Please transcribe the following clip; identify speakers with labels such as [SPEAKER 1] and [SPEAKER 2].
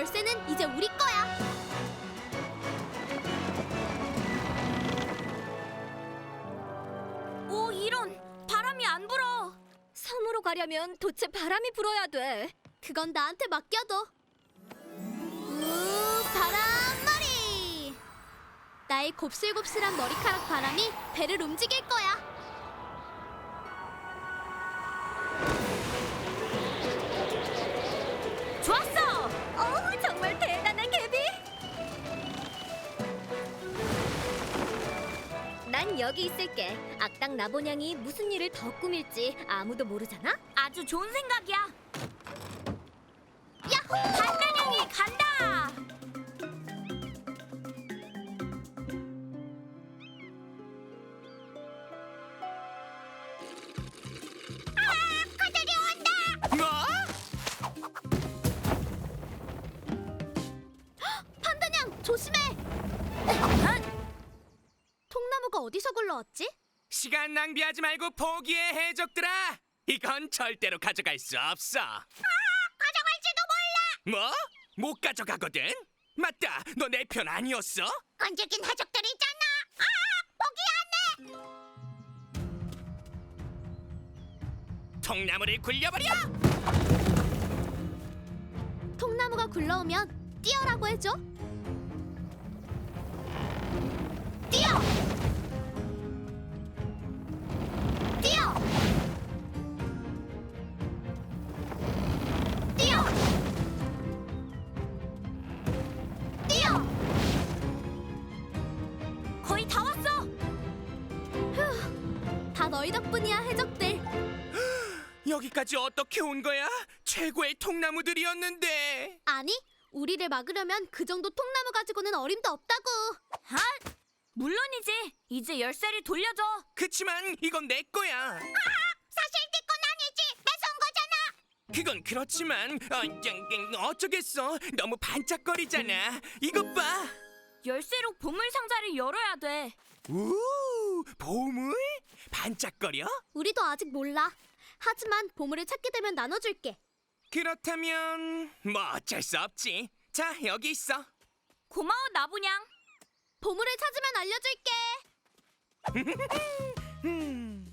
[SPEAKER 1] 열쇠는 이제 우리 거야. 오, 이런! 바람이 안 불어. 섬으로 가려면 도체 바람이 불어야 돼. 그건 나한테 맡겨둬. 바람머리! 나의 곱슬곱슬한 머리카락 바람이 배를 움직일 거야. 좋았어! 정말 대단한 개비! 난 여기 있을게. 악당 나보냥이 무슨 일을 더 꾸밀지 아무도 모르잖아?
[SPEAKER 2] 아주 좋은 생각이야.
[SPEAKER 1] 야호!
[SPEAKER 2] 반나냥이 간다.
[SPEAKER 3] 뭐?
[SPEAKER 1] 판다냥 조심해! 통나무가 어디서 굴러왔지?
[SPEAKER 3] 시간 낭비하지 말고 포기해, 해적들아. 이건 절대로 가져갈 수 없어.
[SPEAKER 2] 가져갈지도 몰라.
[SPEAKER 3] 뭐? 못 가져가거든? 맞다, 너 내 편 아니었어?
[SPEAKER 2] 끈질긴 해적들이 있잖아. 포기 안 해.
[SPEAKER 3] 통나무를 굴려버려!
[SPEAKER 1] 통나무가 굴러오면 뛰어라고 해줘. 뛰어! 뛰어! 뛰어! 뛰어!
[SPEAKER 2] 거의 다 왔어.
[SPEAKER 1] 휴, 다 너희 덕분이야, 해적들.
[SPEAKER 3] 여기까지 어떻게 온 거야? 최고의 통나무들이었는데.
[SPEAKER 1] 아니, 우리를 막으려면 그 정도 통나무 가지고는 어림도 없다고.
[SPEAKER 2] 아, 물론이지. 이제 열쇠를 돌려줘.
[SPEAKER 3] 그치만 이건 내 거야.
[SPEAKER 2] 사실 네 건 아니지. 뺏어온 거잖아.
[SPEAKER 3] 그건 그렇지만 어쩌겠어. 너무 반짝거리잖아. 이것 봐.
[SPEAKER 2] 열쇠로 보물 상자를 열어야 돼.
[SPEAKER 3] 우, 보물? 반짝거려?
[SPEAKER 1] 우리도 아직 몰라. 하지만 보물을 찾게 되면 나눠줄게.
[SPEAKER 3] 그렇다면 뭐 어쩔 수 없지. 자, 여기 있어.
[SPEAKER 2] 고마워 나보냥.
[SPEAKER 1] 보물을 찾으면 알려줄게.